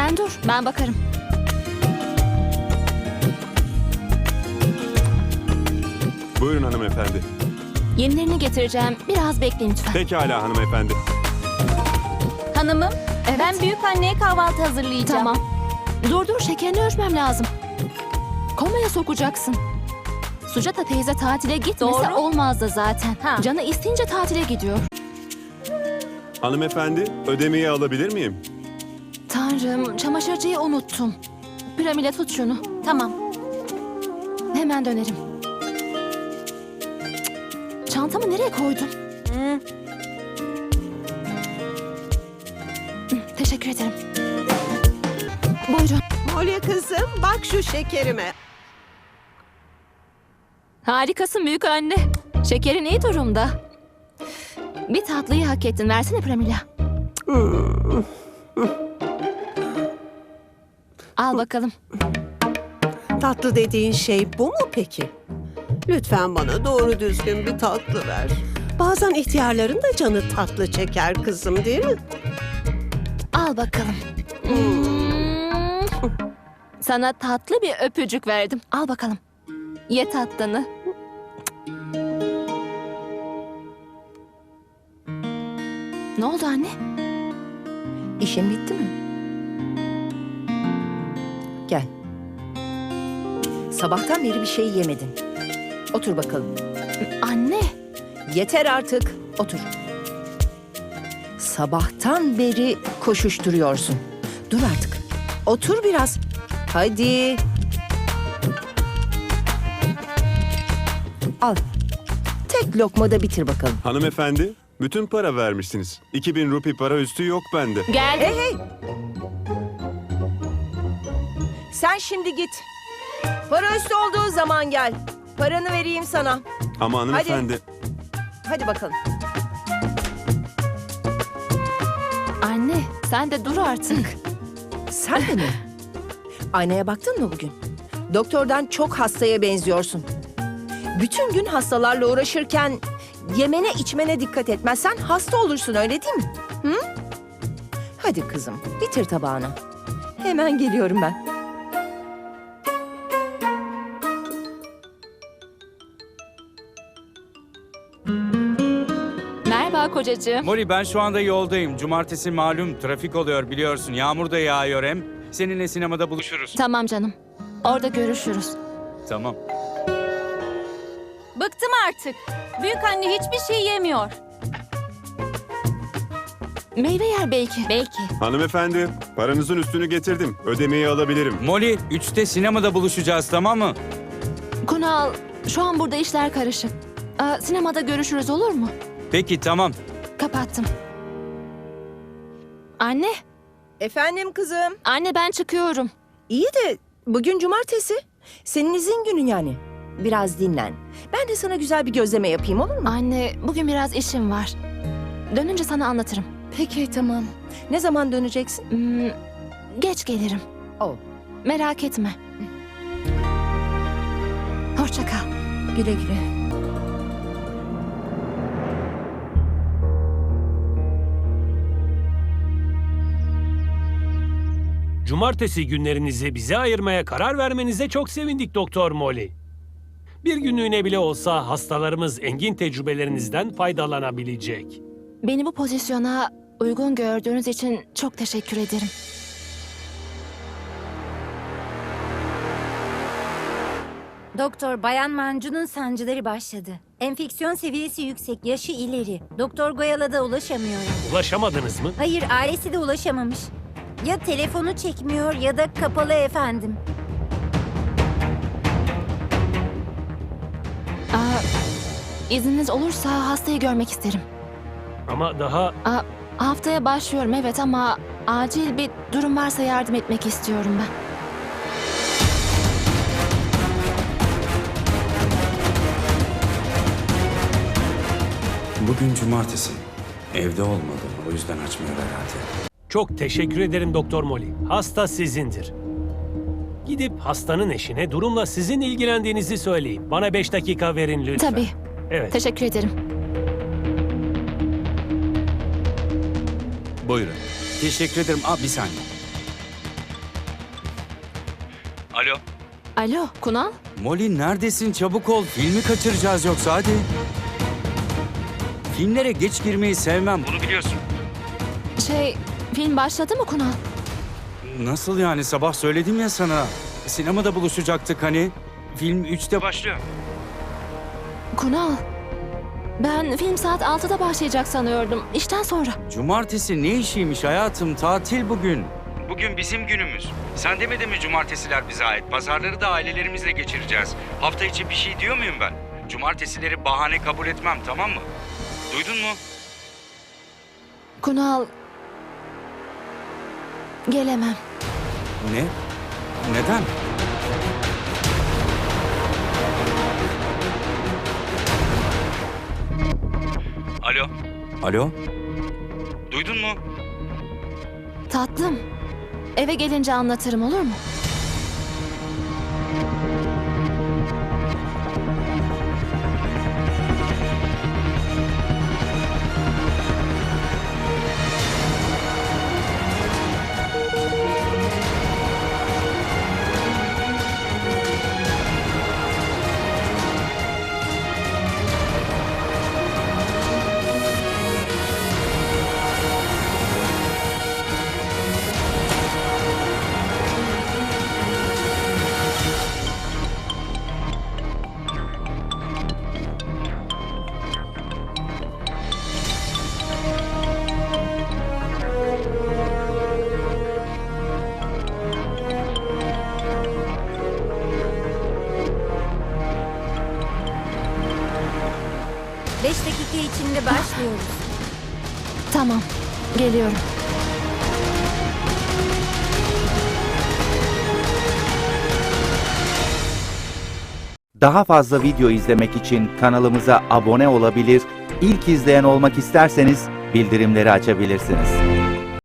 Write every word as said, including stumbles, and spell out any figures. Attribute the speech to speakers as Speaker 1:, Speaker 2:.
Speaker 1: Sen dur, ben bakarım.
Speaker 2: Buyurun hanımefendi.
Speaker 1: Yenilerini getireceğim. Biraz bekleyin lütfen.
Speaker 2: Pekala hanımefendi.
Speaker 3: Hanımım,
Speaker 1: Evet.
Speaker 3: ben büyük anneye kahvaltı hazırlayacağım.
Speaker 1: Tamam. Dur dur, şekerini ölçmem lazım. Komaya sokacaksın. Sujata teyze tatile gitmese
Speaker 3: Doğru.
Speaker 1: olmazdı zaten.
Speaker 3: Ha.
Speaker 1: Canı isteyince tatile gidiyor.
Speaker 2: Hanımefendi, ödemeyi alabilir miyim?
Speaker 1: Tanrım, çamaşırcıyı unuttum. Piramide tut şunu.
Speaker 3: Tamam.
Speaker 1: Hemen dönerim. Çantamı nereye koydun?
Speaker 3: Hı.
Speaker 1: Hı, Teşekkür ederim. Buyurun.
Speaker 4: Molly kızım bak şu şekerime.
Speaker 1: Harikasın büyük anne. Şekerin iyi durumda. Bir tatlıyı hak ettin. Versene Pramila. Al bakalım.
Speaker 4: Tatlı dediğin şey bu mu peki? Lütfen bana doğru düzgün bir tatlı ver. Bazen ihtiyarların da canı tatlı çeker kızım değil mi?
Speaker 1: Al bakalım. Hmm. Sana tatlı bir öpücük verdim. Al bakalım. Ye tatlını. Ne oldu anne?
Speaker 5: İşin bitti mi? Gel. Sabahtan beri bir şey yemedin. Otur bakalım.
Speaker 1: Anne.
Speaker 5: Yeter artık. Otur. Sabahtan beri koşuşturuyorsun. Dur artık. Otur biraz. Hadi. Al. Tek lokmada bitir bakalım.
Speaker 2: Hanımefendi, bütün para vermişsiniz. iki bin rupi para üstü yok bende.
Speaker 1: Geldim.
Speaker 5: Hey hey. Sen şimdi git. Para üstü olduğu zaman gel. Paranı vereyim sana.
Speaker 2: Ama hanımefendi,
Speaker 5: Hadi bakalım.
Speaker 1: Anne sen de dur artık.
Speaker 5: Sen de mi? Aynaya baktın mı bugün? Doktordan çok hastaya benziyorsun. Bütün gün hastalarla uğraşırken yemene içmene dikkat etmezsen hasta olursun öyle değil mi? Hı? Hadi kızım bitir tabağını. Hemen geliyorum ben.
Speaker 1: Merhaba kocacığım.
Speaker 6: Molly ben şu anda yoldayım. Cumartesi malum trafik oluyor biliyorsun. Yağmur da yağıyor hem. Seninle sinemada buluşuruz.
Speaker 1: Tamam canım. Orada görüşürüz.
Speaker 6: Tamam.
Speaker 3: Bıktım artık. Büyük anne hiçbir şey yemiyor.
Speaker 1: Meyve yer belki.
Speaker 3: Belki.
Speaker 2: hanımefendi, paranızın üstünü getirdim. Ödemeyi alabilirim.
Speaker 6: Molly üçte sinemada buluşacağız tamam mı?
Speaker 1: Kunal, şu an burada işler karışık. Aa, sinemada görüşürüz olur mu?
Speaker 6: Peki tamam.
Speaker 1: Kapattım. Anne,
Speaker 5: Efendim kızım.
Speaker 1: anne ben çıkıyorum.
Speaker 5: İyi de bugün cumartesi. Senin izin günün yani. Biraz dinlen. Ben de sana güzel bir gözleme yapayım olur mu?
Speaker 1: Anne, bugün biraz işim var. Dönünce sana anlatırım.
Speaker 5: Peki tamam. Ne zaman döneceksin?
Speaker 1: Hmm, geç gelirim.
Speaker 5: Oh.
Speaker 1: Merak etme. Hoşça kal.
Speaker 5: Güle güle.
Speaker 7: Cumartesi günlerinizi bize ayırmaya karar vermenize çok sevindik Doktor Molly. Bir günlüğüne bile olsa hastalarımız engin tecrübelerinizden faydalanabilecek.
Speaker 1: Beni bu pozisyona uygun gördüğünüz için çok teşekkür ederim.
Speaker 8: Doktor, Bayan Mancu'nun sancıları başladı. Enfeksiyon seviyesi yüksek, yaşı ileri. Doktor Goyal'a da ulaşamıyorum.
Speaker 7: Ulaşamadınız mı?
Speaker 8: Hayır, ailesi de ulaşamamış. Ya telefonu çekmiyor ya da kapalı efendim.
Speaker 1: Aa, izniniz olursa hastayı görmek isterim.
Speaker 7: Ama daha
Speaker 1: Aa, haftaya başlıyorum evet ama acil bir durum varsa yardım etmek istiyorum ben.
Speaker 6: Bugün cumartesi. Evde olmadı. O yüzden açmıyor herhalde.
Speaker 7: çok teşekkür ederim Doktor Molly. Hasta sizindir. Gidip hastanın eşine durumla sizin ilgilendiğinizi söyleyin. Bana beş dakika verin lütfen.
Speaker 1: Tabii.
Speaker 7: Evet.
Speaker 1: Teşekkür ederim.
Speaker 9: Buyurun.
Speaker 6: Teşekkür ederim. Aa, bir saniye. Alo.
Speaker 1: Alo, Kunal?
Speaker 6: Molly neredesin? Çabuk ol. Filmi kaçıracağız yoksa hadi. Filmlere geç girmeyi sevmem. Bunu biliyorsun.
Speaker 1: Şey, film başladı mı Kunal?
Speaker 6: Nasıl yani? Sabah söyledim ya sana. Sinemada buluşacaktık hani. Film üçte başlıyor.
Speaker 1: Kunal, ben film saat altıda başlayacak sanıyordum. İşten sonra.
Speaker 6: Cumartesi ne işiymiş hayatım? Tatil bugün. Bugün bizim günümüz. Sen demedin mi cumartesiler bize ait? Pazarları da ailelerimizle geçireceğiz. Hafta içi bir şey diyor muyum ben? Cumartesileri bahane kabul etmem, tamam mı? Duydun mu?
Speaker 1: Kunal, gelemem.
Speaker 6: Ne? Neden? Alo. Alo. Duydun mu?
Speaker 1: Tatlım, eve gelince anlatırım, olur mu?
Speaker 8: Beş dakika içinde başlıyoruz.
Speaker 1: Tamam, geliyorum.
Speaker 9: Daha fazla video izlemek için kanalımıza abone olabilir, ilk izleyen olmak isterseniz bildirimleri açabilirsiniz.